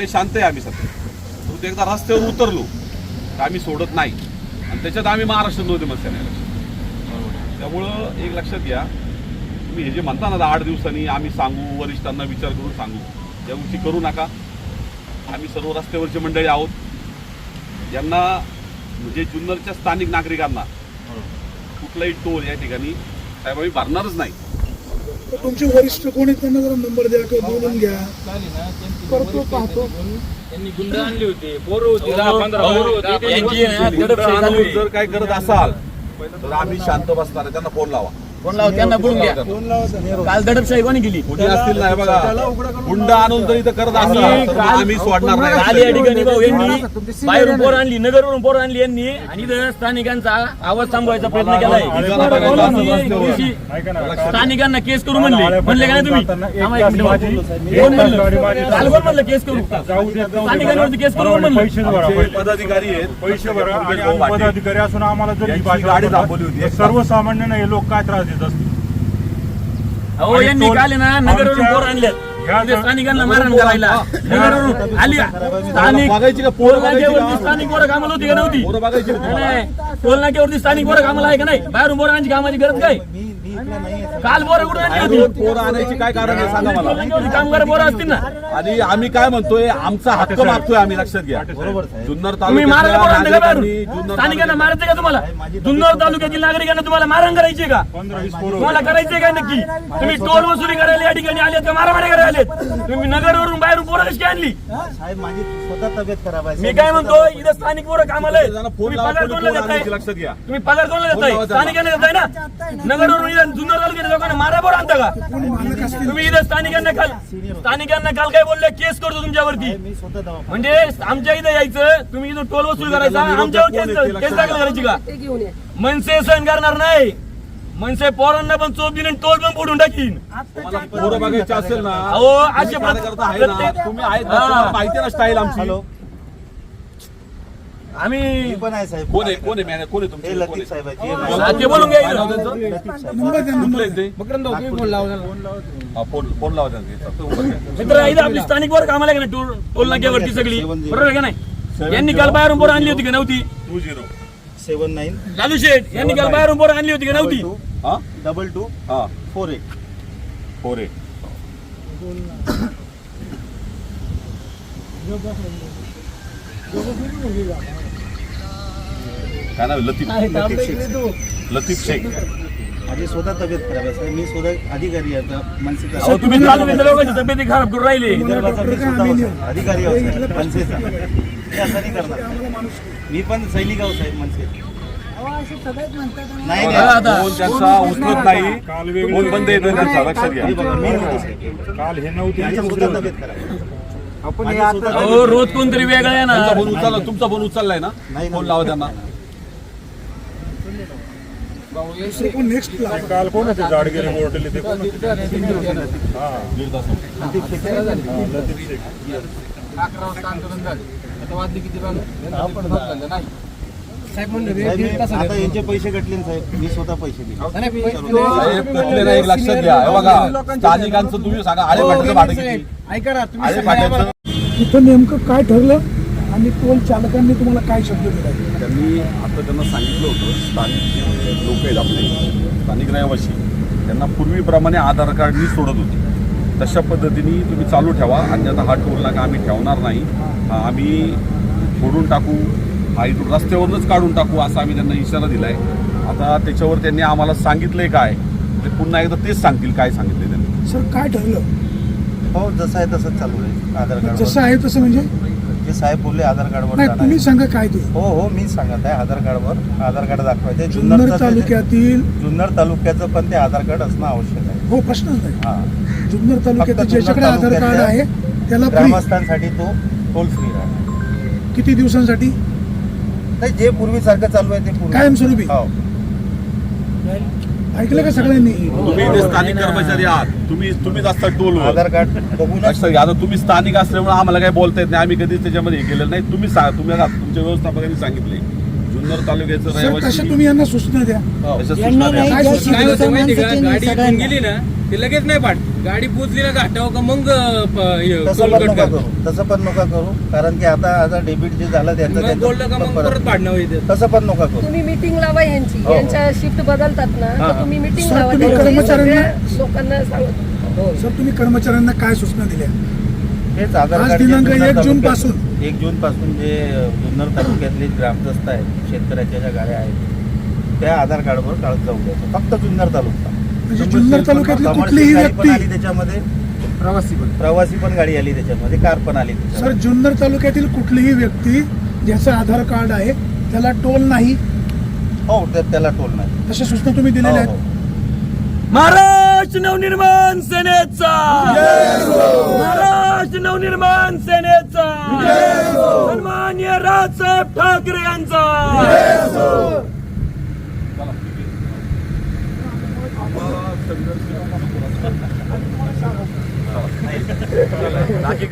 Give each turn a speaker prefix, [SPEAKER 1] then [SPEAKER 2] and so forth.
[SPEAKER 1] विषय शांत आहे आम्ही सध्या, परंतु एकदा रस्त्यावर उतरलो तर आम्ही सोडत नाही आणि त्याच्यात आम्ही महाराष्ट्र नोंदणी नाही. त्यामुळं एक लक्षात घ्या, तुम्ही हे जे म्हणता ना 8 दिवसांनी आम्ही सांगू, वरिष्ठांना विचार करून सांगू, या गोष्टी करू नका. आम्ही सर्व रस्त्यावरची मंडळी आहोत, यांना म्हणजे जुन्नरच्या स्थानिक नागरिकांना कुठलाही टोल या ठिकाणी साहेब आम्ही भरणारच नाही.
[SPEAKER 2] तुमचे वरिष्ठ कोण आहेत त्यांना जरा नंबर द्या किंवा बोलून घ्या. करतो पाहतो.
[SPEAKER 3] त्यांनी गुंड आणली होती, पोरं होती, 10-15
[SPEAKER 1] जर काय करत असाल तर आम्ही शांत बसणार आहे. त्यांना फोन लावा,
[SPEAKER 3] फोन लावा, त्यांना बोलून घ्या. काल दडपशाही कोणी केली?
[SPEAKER 1] कुठे असतील नाही बघा, गुंड आणून जर इथं करत असाल तर आम्ही सोडणार नाही.
[SPEAKER 3] काल या ठिकाणी भाऊ यांनी बाहेरून पोर आणली, नगरवरून पोर आणली यांनी, आणि इथं स्थानिकांचा आवाज थांबवायचा प्रयत्न केलाय. स्थानिकांना केस करू म्हणले का नाही तुम्ही? कोण म्हणलं? काल कोण म्हणलं केस करू? स्थानिकांवरती केस करू म्हणलं.
[SPEAKER 1] पदाधिकारी आहेत,
[SPEAKER 4] पैसे भरा आणि आम्ही पदाधिकारी असून आम्हाला जर ही भाषा
[SPEAKER 1] गाडी दाखवली होती.
[SPEAKER 4] सर्वसामान्यांना हे लोक काय त्रास देत असतील?
[SPEAKER 3] अहो यांनी काल ना नगरवरून पोर आणल्यात, स्थानिकांना मारण करायला. नगरवरून आली स्थानिक टोल नाक्यावरती स्थानिक पोरं कामाला होती का नव्हती? टोल नाक्यावरती स्थानिक पोरं कामाला आहे का नाही? बाहेरून पोरं आणायची कामाची गरज काय? काल पोरं कुठे आणली होती?
[SPEAKER 1] पोरं आणायची काय कारण आहे सांगा मला.
[SPEAKER 3] कामगार पोरं असतील ना.
[SPEAKER 1] आणि आम्ही काय म्हणतोय, आमचा हक्क मागतोय आम्ही, लक्षात घ्या. जुन्नर
[SPEAKER 3] तुम्ही मारायला पोरं आणता का बाहेरून?
[SPEAKER 1] तालुक्यात
[SPEAKER 3] स्थानिकांना मारायचं का तुम्हाला? जुन्नर तालुक्यातील नागरिकांना तुम्हाला मारण करायची का? तुम्हाला करायचंय का नक्की? तुम्ही टोल वसुली करायला या ठिकाणी आलेत का मारामारी करायला आलेत? तुम्ही नगरवरून बाहेरून पोरं कशी आणली?
[SPEAKER 5] साहेब माझी स्वतः तब्येत खराब आहे.
[SPEAKER 3] मी काय म्हणतो, इथं स्थानिक पोरं कामाला आहेत. तुम्ही पगार कोणाला देताय?
[SPEAKER 1] लक्षात घ्या.
[SPEAKER 3] तुम्ही पगार कोणाला देताय? स्थानिकांना देताय ना. नगरवरून इथं जुन्नर तालुक्यातील लोकांना मारा पोरं आणता का? तुम्ही इथं स्थानिकांना काल काय बोलले? केस करतो तुमच्यावरती.
[SPEAKER 5] मी स्वतः दवाखान्यात
[SPEAKER 3] म्हणजे आमच्या इथं यायचं, तुम्ही इथं टोल वसूल करायचा, आमच्यावर केस दाखल करायची का? मनसे सहन करणार नाही. मनसे पोरांना पण चोप दिली, टोल पण फोडून टाकीन.
[SPEAKER 1] तुम्हाला पोरं बघायचं असेल ना,
[SPEAKER 3] अहो असे
[SPEAKER 1] कार्यकर्ता आहे ना, तुम्ही आहेत ना, तुम्हाला माहिती ना स्टाईल आमची.
[SPEAKER 3] आम्ही
[SPEAKER 5] मी पण आहे साहेब.
[SPEAKER 1] कोण आहे कोण आहे कोण आहे तुमचे?
[SPEAKER 5] हे
[SPEAKER 1] कोण
[SPEAKER 5] लतीफ साहेब
[SPEAKER 1] आहे?
[SPEAKER 5] आहे.
[SPEAKER 3] ते बोलून घ्या.
[SPEAKER 2] नंबर द्या.
[SPEAKER 1] कुठलं आहे ते?
[SPEAKER 3] फोन
[SPEAKER 1] लावा त्यांचा.
[SPEAKER 3] मित्र इथं आपली स्थानिक पोरं कामाला आहे का नाही? टोल नाक्यावरती सगळी बरोबर आहे का नाही? यांनी काल बाहेरून पोरं आणली होती का नव्हती?
[SPEAKER 5] 79
[SPEAKER 3] लालू शेठ यांनी काल बाहेरून पोरं आणली होती का नव्हती?
[SPEAKER 5] 22
[SPEAKER 1] हा
[SPEAKER 5] 48.
[SPEAKER 1] 48. काय नाव? लतीफ शेख.
[SPEAKER 5] माझी स्वतः तब्येत खराब आहे साहेब. मी स्वतः अधिकारी आहे आता मनसेचा.
[SPEAKER 3] अहो, तुम्ही तालुक्यातल्या लोकांची तब्येती खराब करून राहिली.
[SPEAKER 5] विदर्भाचा मी स्वतः होतो. अधिकारी आहोत साहेब मनसेचा. हे असं नाही करणार. मी पण सैनिक आहोत साहेब मनसे. नाही
[SPEAKER 3] बघा आता.
[SPEAKER 1] फोन त्यांचा उचलत नाही, फोन बंद येतोय त्यांचा, लक्षात घ्या.
[SPEAKER 5] मी होतो साहेब.
[SPEAKER 4] काल हे नव्हते.
[SPEAKER 5] माझी स्वतः तब्येत खराब आहे. माझी स्वतः
[SPEAKER 3] अहो रोज कोणतरी वेगळं आहे
[SPEAKER 1] तुमचा
[SPEAKER 3] ना.
[SPEAKER 1] फोन उचलला, तुमचा फोन उचललाय ना?
[SPEAKER 5] नाही.
[SPEAKER 1] फोन लावा त्यांना.
[SPEAKER 2] दुसरं कोण नेक्स्ट
[SPEAKER 4] ते काल कोण होते जाडगिरी बोर्डले ते कोण होते? हा लतीफ शेख.
[SPEAKER 5] साहेब आता यांचे पैसे कटले ना साहेब. मी स्वतः पैसे दिले.
[SPEAKER 1] साहेब कटले नाही, एक लक्षात घ्या. हे बघा, स्थानिकांचं तुम्ही सांगा, आळे फाट्याचं भाडं किती? आळे फाट्याचं
[SPEAKER 2] इथं नेमकं काय ठरलं आणि टोल चालकांनी तुम्हाला काय शब्द दिला?
[SPEAKER 1] त्यांनी आता त्यांना सांगितलं होतं, स्थानिक जे लोक आहेत आपले स्थानिक रहिवासी, त्यांना पूर्वीप्रमाणे आधार कार्डनी सोडत होते. तशा पद्धतीने तुम्ही चालू ठेवा, आणि आता हा टोल नाका आम्ही ठेवणार नाही, आम्ही फोडून टाकू, हा इथून रस्त्यावरूनच काढून टाकू, असा आम्ही त्यांना इशारा दिला आहे. आता त्याच्यावर त्यांनी आम्हाला सांगितलंय काय, ते पुन्हा एकदा तेच सांगतील काय सांगितलंय त्यांनी.
[SPEAKER 2] सर काय ठरलं?
[SPEAKER 5] हो जसं आहे तसंच चालू आहे. आधार कार्ड
[SPEAKER 2] जसं आहे तसं म्हणजे
[SPEAKER 5] जे साहेब बोलले आधार कार्डवर
[SPEAKER 2] नाही,
[SPEAKER 5] जाणार
[SPEAKER 2] तुम्ही
[SPEAKER 5] आहे.
[SPEAKER 2] सांगा काय ते.
[SPEAKER 5] हो हो मी सांगत आहे. आधार कार्डवर आधार कार्ड दाखवायचे.
[SPEAKER 2] जुन्नर तालुक्यातील
[SPEAKER 5] जुन्नर तालुक्याचं पण ते आधार कार्ड असणं आवश्यक आहे.
[SPEAKER 2] हो प्रश्नच नाही.
[SPEAKER 5] हा
[SPEAKER 2] जुन्नर तालुक्यात
[SPEAKER 5] फक्त
[SPEAKER 2] ज्याच्याकडे
[SPEAKER 5] जुन्नर
[SPEAKER 2] आधार कार्ड आहे त्याला free.
[SPEAKER 5] ग्रामस्थांसाठी तो टोल फ्री आहे.
[SPEAKER 2] किती दिवसांसाठी?
[SPEAKER 5] नाही जे पूर्वीसारखं चालू आहे ते पूर्वी
[SPEAKER 2] कायमस्वरूपी.
[SPEAKER 5] हो.
[SPEAKER 2] ऐकलं का सगळ्यांनी?
[SPEAKER 1] तुम्ही इथे स्थानिक कर्मचारी आहात, तुम्हीच असता टोलवर.
[SPEAKER 5] आधार कार्ड बघून
[SPEAKER 1] लक्षात घ्या. आता तुम्ही स्थानिक असल्यामुळे आम्हाला काही बोलता येत नाही, आम्ही कधीच त्याच्यामध्ये हे केलेलं नाही. तुम्ही सांगा, तुम्ही तुमच्या व्यवस्थापकांनी सांगितले जुन्नर तालुक्याचं
[SPEAKER 2] सर
[SPEAKER 1] रहिवासी
[SPEAKER 2] कशा तुम्ही यांना सूचना द्या
[SPEAKER 1] तशा सूचना
[SPEAKER 6] यांना
[SPEAKER 1] द्या.
[SPEAKER 6] नाही,
[SPEAKER 2] काय
[SPEAKER 6] ज्या
[SPEAKER 2] सूचना
[SPEAKER 7] काय होतं
[SPEAKER 6] शिकवतं
[SPEAKER 7] माहिती का,
[SPEAKER 6] माणसाची
[SPEAKER 7] गाडी इथून
[SPEAKER 6] सगळ्यांना.
[SPEAKER 7] गेली ना ते लगेच नाही पाठ, गाडी पोचली ना घाटावर का मग
[SPEAKER 5] तसं
[SPEAKER 7] टोल
[SPEAKER 5] पण
[SPEAKER 7] कट
[SPEAKER 5] नका
[SPEAKER 7] कर.
[SPEAKER 5] करू, तसं पण नका करू, कारण की आता डेबिट जे झालं
[SPEAKER 7] मग बोललं का मग परत पाडणं होईल.
[SPEAKER 5] तसं पण नका करू.
[SPEAKER 8] तुम्ही मीटिंग लावा यांची,
[SPEAKER 5] हो.
[SPEAKER 8] यांच्या शिफ्ट बदलतात ना
[SPEAKER 5] हा.
[SPEAKER 8] तर तुम्ही मीटिंग
[SPEAKER 2] सर,
[SPEAKER 8] लावा
[SPEAKER 2] तुम्ही
[SPEAKER 8] त्यांची,
[SPEAKER 2] कर्मचाऱ्यांना-
[SPEAKER 8] सगळ्या लोकांना सांगा.
[SPEAKER 2] सर तुम्ही कर्मचाऱ्यांना काय सूचना दिल्या
[SPEAKER 5] हेच आधार
[SPEAKER 2] आज
[SPEAKER 5] कार्ड
[SPEAKER 2] दिनांक
[SPEAKER 5] जे जुन्नर
[SPEAKER 2] 1 जून
[SPEAKER 5] तालुक्यात-
[SPEAKER 2] पासून.
[SPEAKER 5] 1 जून पासून जे जुन्नर तालुक्यातले ग्रामदस्त आहेत, शेतकऱ्याच्या ज्या गाड्या आहेत त्या आधार कार्डवर काढत जाऊ द्यायचं, फक्त जुन्नर तालुका.
[SPEAKER 2] म्हणजे जुन्नर तालुक्यातली
[SPEAKER 5] कमर्शियल
[SPEAKER 2] कुठलीही
[SPEAKER 5] गाडी पण
[SPEAKER 2] व्यक्ती
[SPEAKER 5] आली त्याच्यामध्ये, प्रवासी पण गाडी आली त्याच्यामध्ये, कार पण आली
[SPEAKER 2] सर
[SPEAKER 5] त्याच्यामध्ये.
[SPEAKER 2] जुन्नर तालुक्यातील कुठलीही व्यक्ती ज्याचं आधार कार्ड आहे त्याला टोल नाही
[SPEAKER 5] हो, तर त्याला टोल नाही.
[SPEAKER 2] अशा सूचना तुम्ही दिलेल्या
[SPEAKER 5] हो,
[SPEAKER 2] आहेत.
[SPEAKER 5] हो.
[SPEAKER 3] महाराष्ट्र नवनिर्माण सेनेचा महाराष्ट्र नवनिर्माण सेनेचा सन्मान्य राजसाहेब ठाकरे यांचा